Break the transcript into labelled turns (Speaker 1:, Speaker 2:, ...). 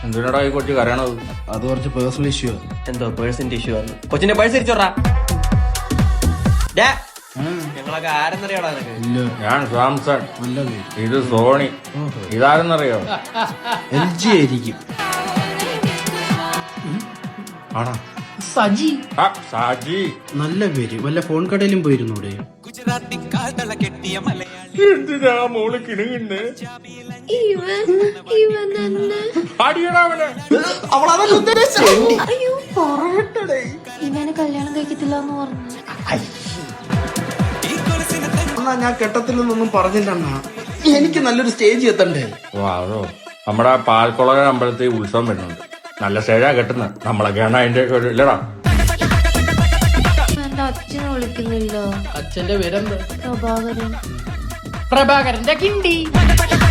Speaker 1: എന്തിനാടാ ഈ കൊച്ചു കരയണത്?
Speaker 2: അത് കുറച്ച് പേഴ്സണൽ ഇഷ്യൂ.
Speaker 3: എന്തോ പേഴ്സിന്റെ ഇഷ്യൂ ആണ്. കൊച്ചിന്റെ പേഴ്സ് തിരിച്ചോറാ. ഞങ്ങളൊക്കെ ആരെന്നറിയാടാ നിനക്ക്?
Speaker 2: ഇല്ല,
Speaker 1: ഞാൻ സാംസൺ,
Speaker 2: നല്ല പേര്.
Speaker 1: ഇത് സോണി. ഇതാരെന്നറിയോ?
Speaker 2: LG ആയിരിക്കും.
Speaker 1: ആണോ?
Speaker 2: സജി.
Speaker 1: സാജി.
Speaker 2: നല്ല പേര്. വല്ല ഫോൺ കടയിലും പോയിരുന്നൂടെ?
Speaker 1: എന്തിനാ മോള് കിണുങ്ങുന്നേ?
Speaker 4: ഇവനെ കല്യാണം കഴിക്കത്തില്ല എന്ന് പറഞ്ഞു.
Speaker 2: എന്നാ ഞാൻ കെട്ടത്തില്ലെന്നൊന്നും പറഞ്ഞില്ല അണ്ണാ. എനിക്ക് നല്ലൊരു സ്റ്റേജ് എത്തണ്ടേ?
Speaker 1: അതോ, നമ്മുടെ പാൽക്കുളക അമ്പലത്തിൽ ഉത്സവം വരുന്നുണ്ട്. നല്ല സ്റ്റേജാ കെട്ടുന്നത്. നമ്മളൊക്കെയാണ് അതിന്റെ ഒക്കെ ഒരു ഇല്ലടാ.
Speaker 4: എന്റെ അച്ഛനെ വിളിക്കുന്നില്ല.
Speaker 5: അച്ഛന്റെ പേരെന്താ?
Speaker 4: പ്രഭാകരൻ.
Speaker 5: പ്രഭാകരന്റെ കിണ്ടി.